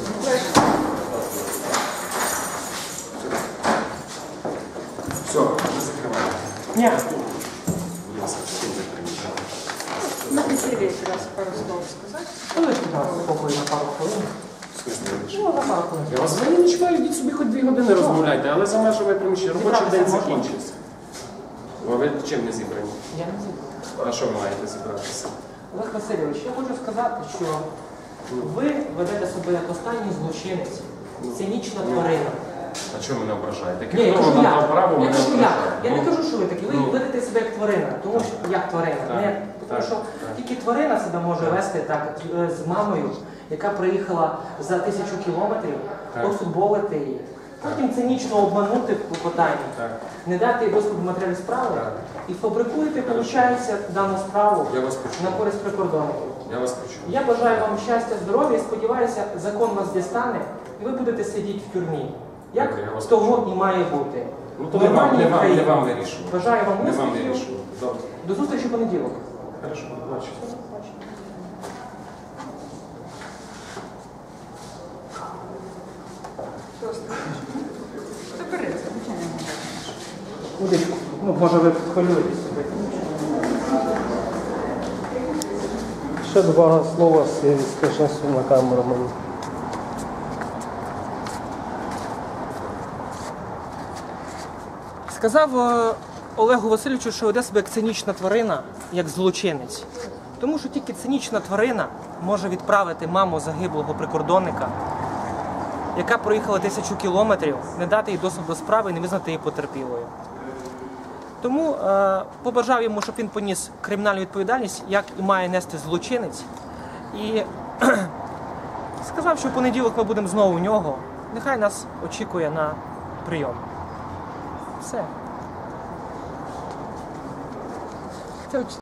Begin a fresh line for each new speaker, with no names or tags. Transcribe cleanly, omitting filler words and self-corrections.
Все, не закриваємо.
Ні.
Будь ласка, всім не приміщати.
На весіллі якраз пару слов сказати.
Залиште нас спокою на пару хвилин. Ну, на пару хвилин.
Я вас взагалі не чекаю, йдіть собі хоч 2 години розмовляйте, але за межами приміщення. Робочий день закінчився. А ви чим не зібрані?
Я не зібрав.
А що ви маєте зібратися?
Олег Васильович, я хочу сказати, що ви ведете себе як останній злочинець, цинічна тварина.
А чого мене ображаєте?
Ні, я кажу
Хто вам
я.
дав право
Я
мене
кажу я.
ображати?
Я не кажу, що ви такі. Ви ведете себе як тварина. Тому що як тварина.
Так,
Не, тому що тільки тварина себе може вести так з мамою, яка приїхала за 1000 кілометрів, пофутболити її. Потім цинічно обманути в питанні, не дати їй доступ до матеріалів справи і фабрикуєте, виходить, дану справу
Я вас почув.
на користь прикордонників.
Я вас почув.
Я бажаю вам щастя, здоров'я і сподіваюся, закон вас дістане і ви будете сидіти в тюрмі. Як
Добре, я вас
того
почув.
і має бути.
Ну то не вам вирішувати.
Бажаю вам
Не вам
успіхів.
вирішувати. Добре.
До зустрічі в понеділок.
Хорошо, бачу.
Заберете, звичайно.
Удочку. Ну, може ви хвилюєтесь.
Ще 2 слова скажи на камеру мені.
Сказав Олегу Васильовичу, що веде себе як цинічна тварина, як злочинець. Тому що тільки цинічна тварина може відправити маму загиблого прикордонника, яка проїхала 1000 кілометрів, не дати їй доступ до справи і не визнати її потерпілою. Тому побажав йому, щоб він поніс кримінальну відповідальність, як і має нести злочинець. І сказав, що в понеділок ми будемо знову у нього. Нехай нас очікує на прийом. Все.